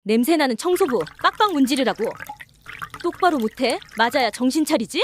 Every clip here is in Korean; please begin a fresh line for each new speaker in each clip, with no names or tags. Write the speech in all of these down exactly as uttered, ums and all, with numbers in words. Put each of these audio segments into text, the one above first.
냄새나는 청소부 빡빡 문지르라고. 똑바로 못해? 맞아야 정신 차리지?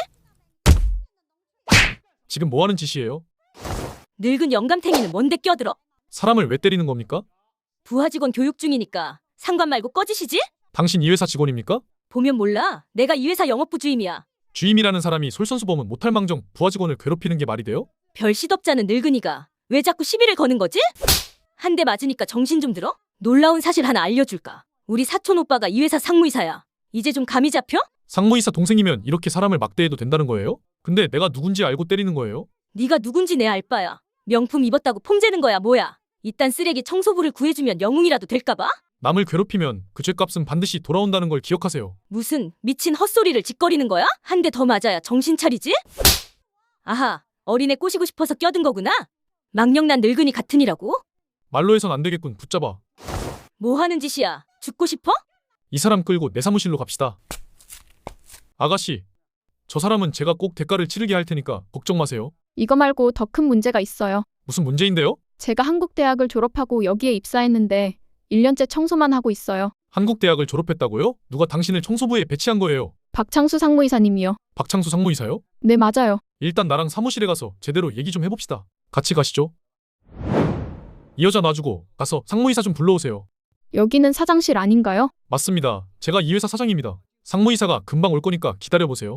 지금 뭐 하는 짓이에요?
늙은 영감탱이는 뭔데 껴들어?
사람을 왜 때리는 겁니까?
부하 직원 교육 중이니까 상관 말고 꺼지시지?
당신 이 회사 직원입니까?
보면 몰라. 내가 이 회사 영업부 주임이야.
주임이라는 사람이 솔선수범은 못할 망정 부하 직원을 괴롭히는 게 말이 돼요?
별 시덥잖은 늙은이가 왜 자꾸 시비를 거는 거지? 한 대 맞으니까 정신 좀 들어? 놀라운 사실 하나 알려줄까? 우리 사촌 오빠가 이 회사 상무이사야. 이제 좀 감이 잡혀?
상무이사 동생이면 이렇게 사람을 막대해도 된다는 거예요? 근데 내가 누군지 알고 때리는 거예요?
네가 누군지 내 알바야. 명품 입었다고 폼재는 거야 뭐야? 이딴 쓰레기 청소부를 구해주면 영웅이라도 될까봐?
남을 괴롭히면 그 죄값은 반드시 돌아온다는 걸 기억하세요.
무슨 미친 헛소리를 짓거리는 거야? 한 대 더 맞아야 정신 차리지? 아하, 어린애 꼬시고 싶어서 껴든 거구나? 망령난 늙은이 같으니라고?
말로 해선 안 되겠군. 붙잡아.
뭐 하는 짓이야? 죽고 싶어?
이 사람 끌고 내 사무실로 갑시다. 아가씨, 저 사람은 제가 꼭 대가를 치르게 할 테니까 걱정 마세요.
이거 말고 더 큰 문제가 있어요.
무슨 문제인데요?
제가 한국 대학을 졸업하고 여기에 입사했는데 일 년째 청소만 하고 있어요.
한국 대학을 졸업했다고요? 누가 당신을 청소부에 배치한 거예요?
박창수 상무이사님이요.
박창수 상무이사요?
네, 맞아요.
일단 나랑 사무실에 가서 제대로 얘기 좀 해봅시다. 같이 가시죠. 이 여자 놔주고 가서 상무이사 좀 불러오세요.
여기는 사장실 아닌가요?
맞습니다. 제가 이 회사 사장입니다. 상무이사가 금방 올 거니까 기다려보세요.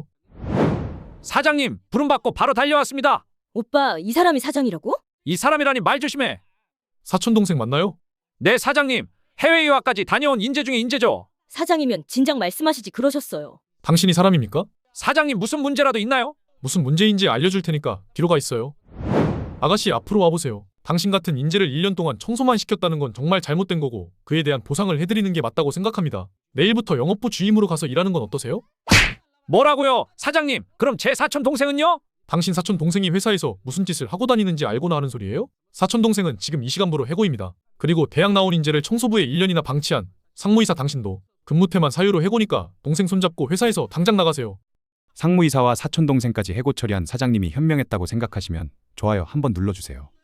사장님, 부름받고 바로 달려왔습니다.
오빠, 이 사람이 사장이라고?
이 사람이라니 말 조심해.
사촌동생 맞나요?
네, 사장님. 해외 유학까지 다녀온 인재 중에 인재죠.
사장이면 진작 말씀하시지 그러셨어요.
당신이 사람입니까?
사장님, 무슨 문제라도 있나요?
무슨 문제인지 알려줄 테니까 뒤로 가 있어요. 아가씨, 앞으로 와보세요. 당신 같은 인재를 일 년 동안 청소만 시켰다는 건 정말 잘못된 거고 그에 대한 보상을 해드리는 게 맞다고 생각합니다. 내일부터 영업부 주임으로 가서 일하는 건 어떠세요?
뭐라고요? 사장님, 그럼 제 사촌 동생은요?
당신 사촌 동생이 회사에서 무슨 짓을 하고 다니는지 알고나 하는 소리예요? 사촌 동생은 지금 이 시간부로 해고입니다. 그리고 대학 나온 인재를 청소부에 일 년이나 방치한 상무이사 당신도 근무태만 사유로 해고니까 동생 손잡고 회사에서 당장 나가세요.
상무이사와 사촌동생까지 해고 처리한 사장님이 현명했다고 생각하시면 좋아요 한번 눌러주세요.